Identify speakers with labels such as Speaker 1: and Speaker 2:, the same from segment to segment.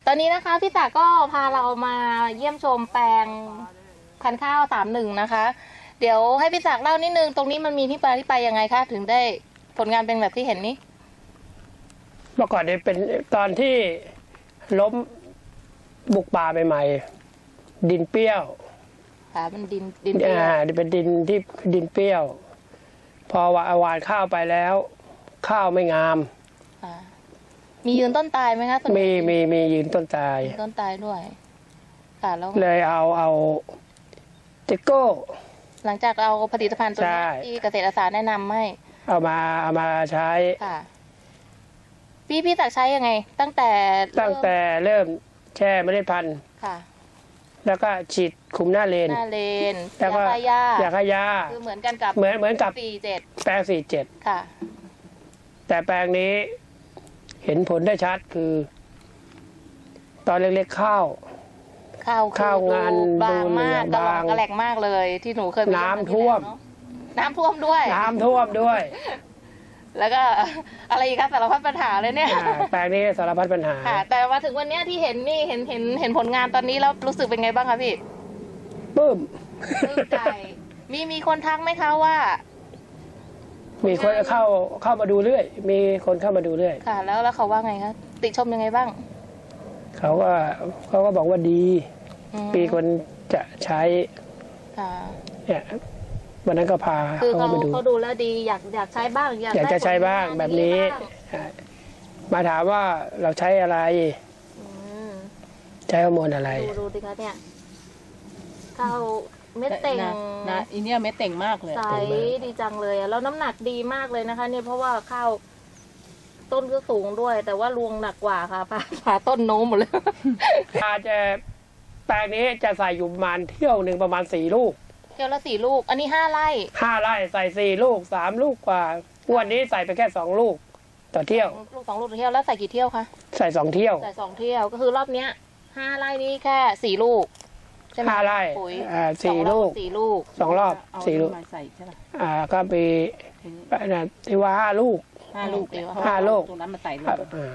Speaker 1: อนนี้นะคะพี่ศักดิ์ก็พาเรามาเยี่ยมชมแปลงพันธุ์ข้าว31นะคะ เดี๋ยวให้พี่ศักดิ์เล่านิดนึงตรงนี้มันมีที่มาที่ไปยังไงคะถึงได้ผลงานเป็นแบบที่เห็นนี้
Speaker 2: เมื่อก่อนเนี่ยเป็นตอนที่ล้มบุกป่าใหม่ๆดินเปรี้ยว
Speaker 1: ค่ะมันดินเปรี้ยว
Speaker 2: เป็นดินที่ดินเปรี้ยวพอหวานข้าวไปแล้วข้าวไม่งาม
Speaker 1: มียืนต้นตายไหมคะ
Speaker 2: มียืนต้นตาย
Speaker 1: ด้วยค่ะแล้ว
Speaker 2: เลยเอาเจโก้
Speaker 1: หลังจากเอาผลิตภัณฑ์ตัวนี้ที่เกษตรศาสตร์แนะนำให้
Speaker 2: เอามาใช้
Speaker 1: ค่ะพี่ศักดิ์ใช้ยังไงตั้งแต่
Speaker 2: เริ่มแช่เมล็ดพันธุ์
Speaker 1: ค่ะ
Speaker 2: แล้วก็ฉีดคุมหน้าเลน
Speaker 1: แล้วก็ยา
Speaker 2: ฆ่าหญ้า
Speaker 1: คือเหมือนกันกับ
Speaker 2: 47แปลง47
Speaker 1: ค่ะ
Speaker 2: แต่แปลงนี้เห็นผลได้ชัดคือตอนเล็กๆข้าวงาน
Speaker 1: บางมากกระแหลกมากเลยที่หนูเคย
Speaker 2: น้ำท่วม
Speaker 1: ด้วยแล้วก็อะไรอีกคะสารพัดปัญหาเลยเนี่ย
Speaker 2: แปลงนี้สารพัดปัญหา
Speaker 1: ค่ะแต่มาถึงวันนี้ที่เห็นนี่เห็นผลงานตอนนี้แล้วรู้สึกเป็นไงบ้างคะพี่
Speaker 2: ปลื้ม
Speaker 1: ใจมีคนทักไหมคะว่า
Speaker 2: มีคนเข้ามาดูเรื่อยมีคนเข้ามาดูเรื่อย
Speaker 1: ค่ะแล้วเขาว่าไงคะติชมยังไงบ้าง
Speaker 2: เขาก็บอกว่าดีปีคนจะใช้เนี่ยวันนั้นก็พา
Speaker 1: เขาดูแล้วดีอยากใช้บ้าง
Speaker 2: อยากจะใช้บ้างแบบนี้มาถามว่าเราใช้อะไรใช้ฮอร์โมนอะไร
Speaker 1: ดูดิคะเนี่ยข้าวเม็ดเต่ง
Speaker 3: นะอีเนี่ยเม็ดเต่งมากเลย
Speaker 1: ใสดีจังเลยแล้วน้ำหนักดีมากเลยนะคะเนี่ยเพราะว่าข้าวต้นก็สูงด้วยแต่ว่ารวงหนักกว่าค่ะผ่าต้นโน้มหมดเลย
Speaker 2: อาจจะแปลงนี้จะใส่อยู่ประมาณเที่ยวหนึ่งประมาณ4 ลูก
Speaker 1: เที่ยวละ4 ลูกอันนี้5 ไร่
Speaker 2: ใส่4 ลูก3 ลูกกว่าวันนี้ใส่ไปแค่2 ลูกต่อเที่ยว
Speaker 1: 2 ลูกต่อเที่ยวแล้วใส่กี่เที่ยวคะ
Speaker 2: ใส่2 เที่ยว
Speaker 1: ก็คือรอบเนี้ย5 ไร่นี้แค่4 ลูกใช่ไหม
Speaker 2: 5 ไร่4 ลูก2 รอบ4 ลูก
Speaker 3: ใส่ใช่ป่ะ
Speaker 2: ก็ปีที่ว่า5 ลูก
Speaker 3: 5 ลูกตรงนั้นมาใส่ลูก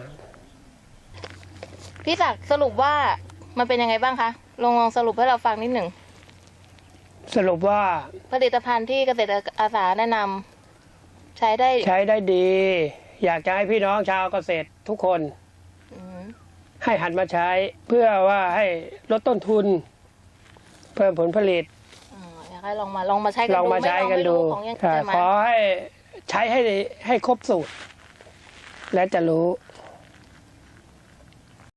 Speaker 1: พี่ศักดิ์สรุปว่ามันเป็นยังไงบ้างคะลองสรุปให้เราฟังนิดหนึ่ง
Speaker 2: สรุปว่า
Speaker 1: ผลิตภัณฑ์ที่เกษตรอาสาแนะนำใช้
Speaker 2: ได้ดีอยากจะให้พี่น้องชาวเกษตรทุกคนให้หันมาใช้เพื่อว่าให้ลดต้นทุนเพิ่มผลผลิต
Speaker 1: อยากให้ลองมาใช้
Speaker 2: กันดูขอให้ใช้ให้ครบสูตรและจะรู้